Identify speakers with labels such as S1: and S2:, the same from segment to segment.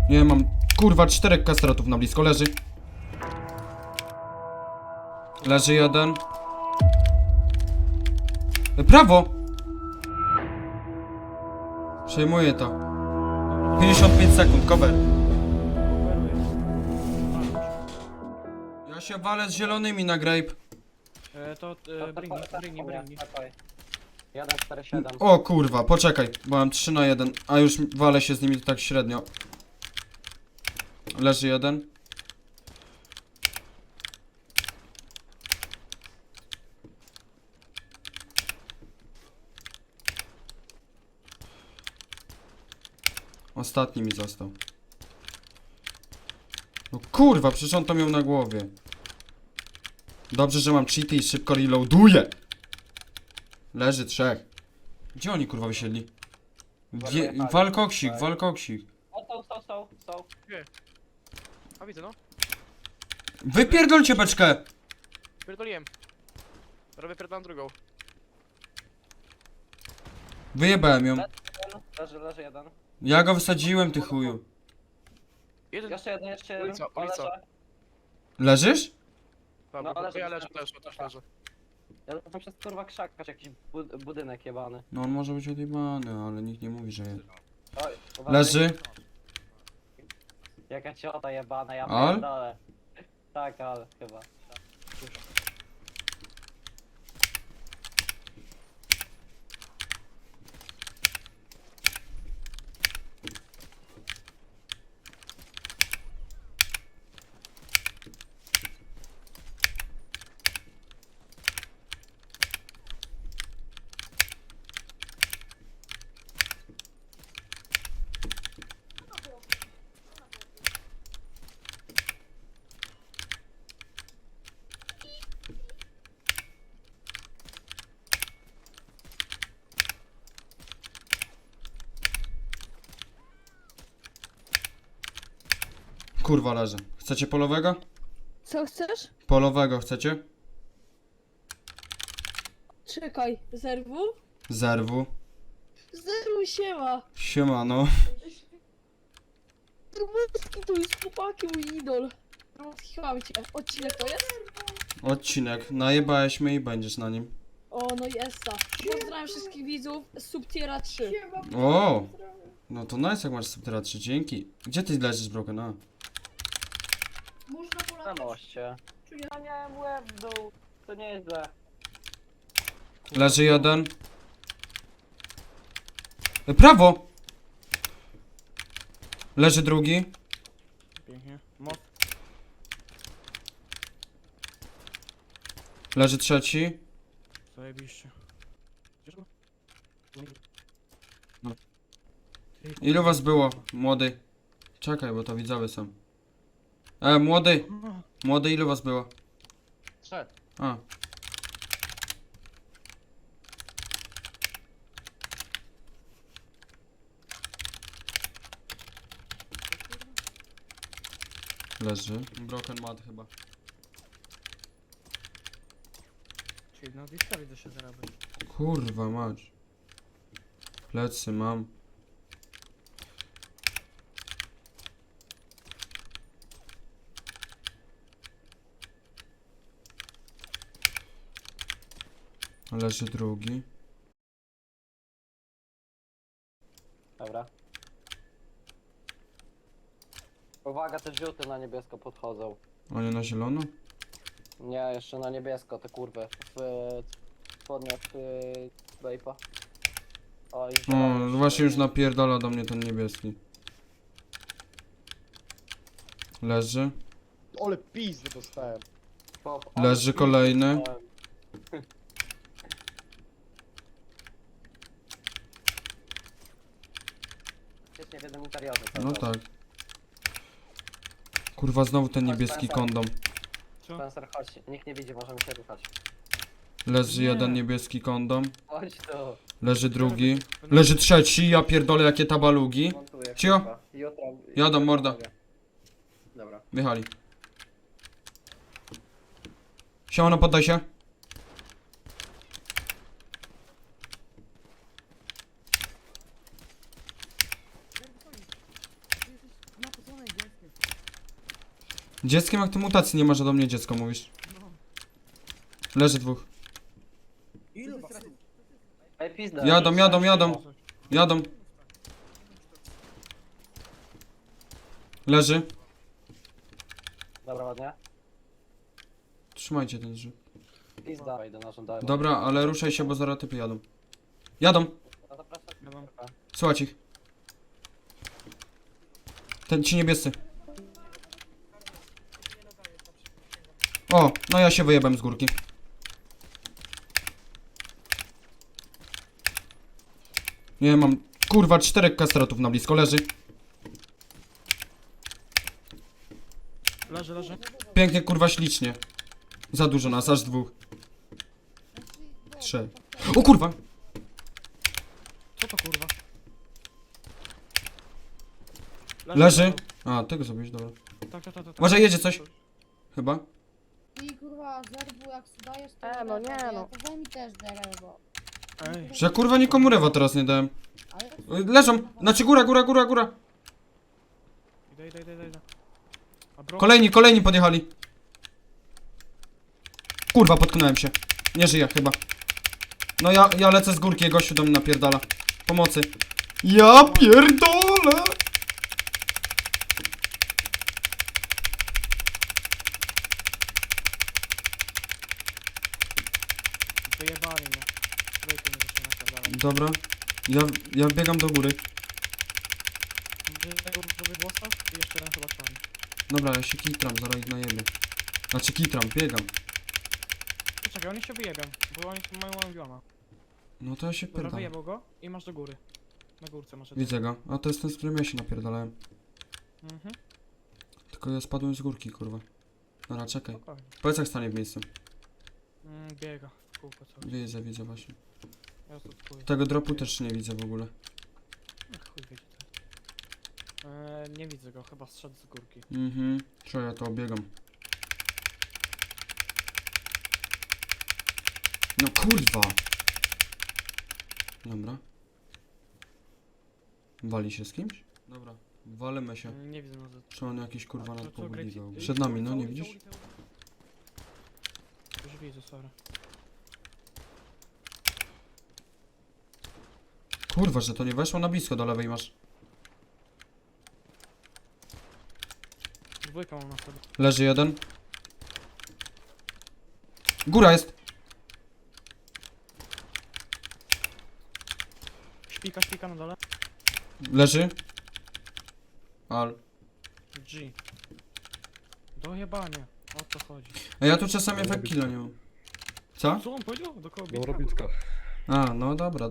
S1: Nie, mam kurwa 4 kastratów na blisko, leży. Leży jeden. Prawo! Przejmuję to. 55 sekund, cover. Ja się walę z zielonymi na grape.
S2: Bringi. 1-4-7.
S1: O kurwa, poczekaj, bo mam 3 na 1, a już walę się z nimi tak średnio. Leży jeden. Ostatni mi został. No kurwa, przecież on to miał na głowie. Dobrze, że mam cheaty i szybko reloaduję. Leży 3. Gdzie oni kurwa wysiedli? Walkoksik, walkoksik.
S2: Stał.
S3: A widzę, no.
S1: Wypierdolcie beczkę!
S3: Pierdoliłem. Robię pierdolam drugą.
S1: Wyjebałem ją.
S2: Leży jeden.
S1: Ja go wysadziłem, ty chuju.
S3: Jeden.
S2: Jeszcze jeden.
S3: Ulica.
S1: Leżysz?
S3: Dobra,
S2: No, ale
S3: ja
S2: że-
S3: leżę też leżę.
S2: Ja tam przez kurwa krzak, patrz, jakiś budynek jebany.
S1: No on może być odjebany, ale nikt nie mówi, że jest.
S2: Oj, uważaj.
S1: Leży.
S2: Jaka ciota jebana, ja
S1: Al?
S2: pierdolę. Tak, ale chyba.
S1: Kurwa leży. Chcecie polowego?
S4: Co chcesz?
S1: Polowego chcecie?
S4: Czekaj, zerwu?
S1: Zerwu.
S4: Zerwu siema!
S1: Siemano.
S4: Trubuski tu jest chłopaki, mój idol. Chyba cię. Odcinek to jest?
S1: Odcinek. Najebałeś mnie i będziesz na nim.
S4: O, no jest ta. Pozdrawiam wszystkich widzów z Subtiera 3.
S1: O! No to nice jak masz Subterra 3, dzięki. Gdzie ty leżysz, Broken? A.
S4: Można
S2: Na
S4: polatać.
S2: moście. Ja miałem łeb w dół. To nie jest źle.
S1: Leży jeden. Prawo! Leży drugi.
S3: Pięknie. Most.
S1: Leży trzeci.
S3: Zajebiście. Gdzież go?
S1: Ilu was było, młody? Czekaj, bo to widzowie są. Młody! Młody, ilu was było?
S2: 3.
S1: A. Leży. Broken mat chyba.
S3: Czyli na Disca widzę się zarabiać.
S1: Kurwa mać. Plecy mam. Leży drugi.
S2: Dobra. Uwaga, te żółte na niebiesko podchodzą.
S1: A nie na zielono?
S2: Nie, jeszcze na niebiesko, te kurwy. W spodniach Bape'a. O, i
S1: O,
S2: zielony
S1: właśnie już
S2: jeszcze.
S1: napierdala do mnie ten niebieski. Leży.
S5: Ole pizdy dostałem.
S2: Pop,
S1: Leży kolejny.
S2: Jest nie w jednym interiorze.
S1: No tak. Kurwa, znowu ten niebieski kondom.
S2: Spencer, chodź, nikt nie widzi, możemy się ruszać.
S1: Leży
S3: Nie.
S1: jeden niebieski kondom.
S2: Chodź tu.
S1: Leży drugi. Leży trzeci, ja pierdolę jakie tabalugi.
S2: Montuję.
S1: Cio.
S2: kurwa. Jutro.
S1: Jadą, morda.
S2: Dobra.
S1: Wjechali. Siemano, poddaj się. Dzieckiem jak ty mutacji nie masz, a do mnie dziecko mówisz. Leży dwóch.
S3: Ilu was?
S2: Ej, pizda.
S1: Jadą, jadą, jadą. Jadą. Leży.
S2: Dobra, ładnie.
S1: Trzymajcie ten drzwi.
S2: Pizda. Idę na żądanie.
S1: Dobra, ale ruszaj się, bo zaraz typy jadą. Jadą.
S2: No to proszę.
S3: Ja mam.
S1: Słuchajcie ich. Ten ci niebiescy. O, no ja się wyjebem z górki. Nie mam. Kurwa, 4 kastratów na blisko. Leży.
S3: Leży, leży.
S1: Pięknie, kurwa, ślicznie. Za dużo nas, aż dwóch. 3. O kurwa!
S3: Co to kurwa?
S1: Leży. A, tego zrobisz, dobra.
S3: Tak.
S1: Może jedzie coś? Chyba.
S4: I kurwa, zerwu jak dajesz to...
S2: no nie, no.
S4: To daj mi też derę, bo...
S3: Ej.
S1: Że ja kurwa nikomu rewa teraz nie dałem.
S4: Ale...
S1: Leżą! Znaczy góra, góra, góra, góra!
S3: Idę. A bro...
S1: Kolejni podjechali. Kurwa, potknąłem się. Nie żyję chyba. No ja lecę z górki, gościu do mnie napierdala. Pomocy. Ja pierdolę!
S3: Wyjebali mnie. Wyjdę mnie zaczyna napierdalać.
S1: Dobra. Ja biegam do góry.
S3: Robię włosa i jeszcze jeden chyba czarny.
S1: Dobra, ja się kitram, zaraz ich najebię. Znaczy kitram, biegam.
S3: Poczekaj, oni się wyjebią, bo oni mają małą bioma.
S1: No to ja się
S3: Dobra,
S1: pierdam.
S3: wyjebał go i masz do góry. Na górce masz.
S1: Widzę go. A to jest ten, z którym ja się napierdalałem.
S3: Mhm,
S1: Tylko ja spadłem z górki, kurwa. Dobra, czekaj.
S3: spokojnie.
S1: Powiedz jak stanie w miejscu.
S3: Biega w kółko co.
S1: Widzę właśnie.
S3: Ja tu chuj.
S1: Tego dropu też nie widzę w ogóle.
S3: Chuj wiecie to. Nie widzę go, chyba zszedł z górki.
S1: Mhm. Co ja to obiegam. No kurwa! Dobra. Wali się z kimś? Dobra. Walimy się.
S3: Nie widzę może.
S1: Czy on jakiś kurwa nas
S3: Co,
S1: pobudliwał?
S3: Great-
S1: Przed nami, no nie
S3: ulica,
S1: widzisz?
S3: ulica. Już widzę, sorry.
S1: Kurwa, że to nie weszło na blisko, do lewej masz.
S3: Dwójka mam na sobie.
S1: Leży jeden. Góra jest!
S3: Śpika na dole.
S1: Leży. Al.
S3: G. Dojebanie. O co chodzi?
S1: A ja tu czasami efekt killa nie mam. Co?
S3: Co on powiedział? Do kogo
S5: No
S3: bitka?
S5: robiczka.
S1: A, no dobra.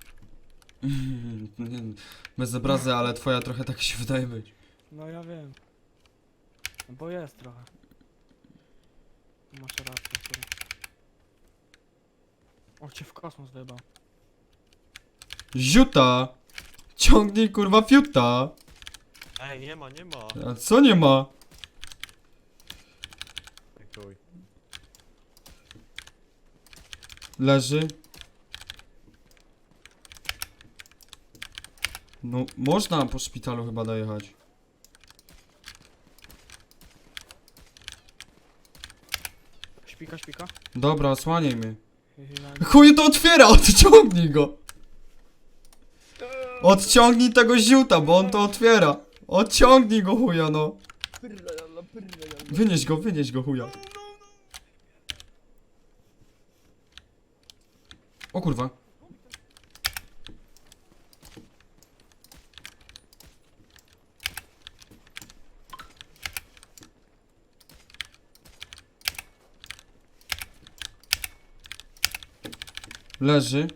S1: Nie, bez obrazy, ale twoja trochę tak się wydaje być.
S3: No ja wiem. Bo jest trochę. Masz rację, sorry. O, cię w kosmos wyjebał.
S1: Ziuta! Ciągnij kurwa fiuta!
S6: Ej, nie ma.
S1: A co nie ma?
S6: Chuj.
S1: Leży. No, można po szpitalu chyba dojechać.
S3: Śpika.
S1: Dobra, osłaniaj mnie.
S3: Hyhyla-
S1: Chuj to otwiera, odciągnij go! Odciągnij tego ziuta, bo on to otwiera. Odciągnij go chuja, no. Wynieś go chuja. O kurwa. Leży.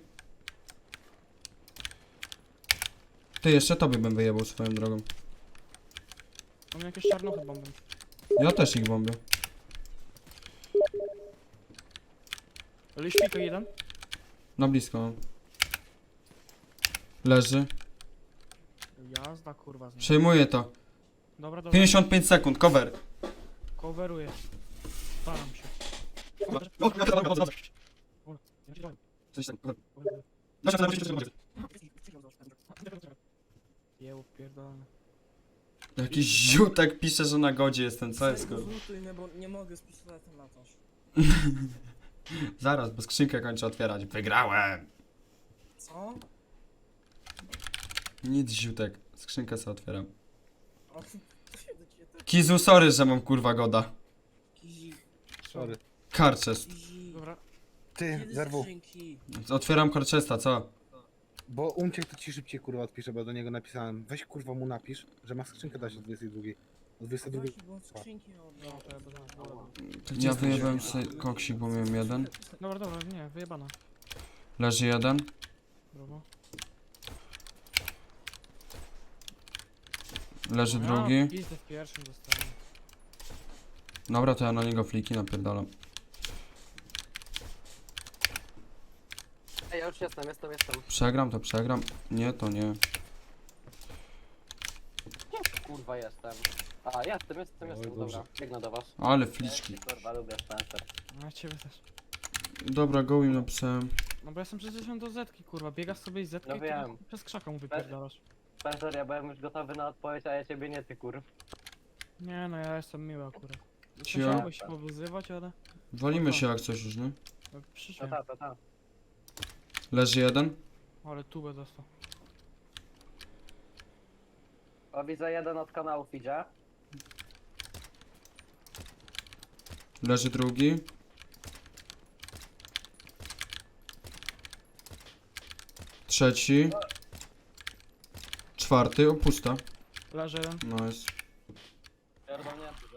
S1: Ty, jeszcze tobie bym wyjebał swoją drogą.
S3: Mam jakieś czarnuchy bomby.
S1: Ja też ich bombię.
S3: Ale śpika jeden.
S1: Na blisko mam. Leży.
S3: Jazda kurwa z nim.
S1: Przejmuję to.
S3: Dobra.
S1: 55 sekund, cover.
S3: Coveruję. Staram się. Jeł pierdolony.
S1: Jakiś ziutek pisze, że na godzie jestem, co jest kurwa?
S7: Zlutuj mnie, bo nie mogę z pistoletem latać.
S1: Zaraz, bo skrzynkę kończę otwierać. Wygrałem!
S7: Co?
S1: Nic ziutek, skrzynkę sobie otwieram.
S7: O, to się do ciebie tak
S1: Kizu, sorry, że mam kurwa goda.
S7: kizi.
S5: Sorry.
S1: Karczest.
S7: Kizi.
S3: Dobra.
S5: Ty,
S7: Kiedy
S5: zerwu.
S7: skrzynki?
S1: Otwieram karczesta, co?
S5: Bo uciekł, to ci szybciej kurwa odpiszę, bo ja do niego napisałem. Weź kurwa mu napisz, że ma skrzynkę dać o 22. O 22.
S7: Właśnie, bo on skrzynki miał
S3: No,
S7: oddać.
S3: to ja będę wolał.
S1: Ja wyjebałem sobie koksik, bo miałem jeden.
S3: Dobra, dobra, nie, wyjebana.
S1: Leży jeden.
S3: Brawo.
S1: Leży
S3: Ja
S1: drugi.
S3: pizdę w pierwszym dostałem.
S1: Dobra, to ja na niego fliki napierdalam.
S2: Ej, ja już jestem.
S1: Przegram to przegram. Nie, to nie.
S2: Kurwa, jestem. A, jestem, dobra. Biegnę do was.
S1: Ale fliczki.
S2: Kurwa, lubię Spencer.
S3: No ja ciebie też.
S1: Dobra, go im napisałem.
S3: No bo jestem przyzwyczajony do zetki, kurwa. Biegasz sobie i zetki
S2: No
S3: i
S2: wiem.
S3: ty przez krzaka mu wypierdalasz.
S2: Spencer, ja byłem już gotowy na odpowiedź, a ja ciebie nie, ty kurw.
S3: Nie no, ja jestem miły akurat.
S1: Cio.
S3: Chciałbyś się powyzywać, ale...
S1: Walimy się jak coś już, nie?
S3: No,
S2: No
S3: przyszłem.
S2: ta.
S1: Leży jeden.
S3: Ale tubę dostał.
S2: O, widzę jeden od kanałów idzie.
S1: Leży drugi. Trzeci. Czwarty, o pusta.
S3: Leży jeden.
S1: Nice.
S2: Pierdolnięty.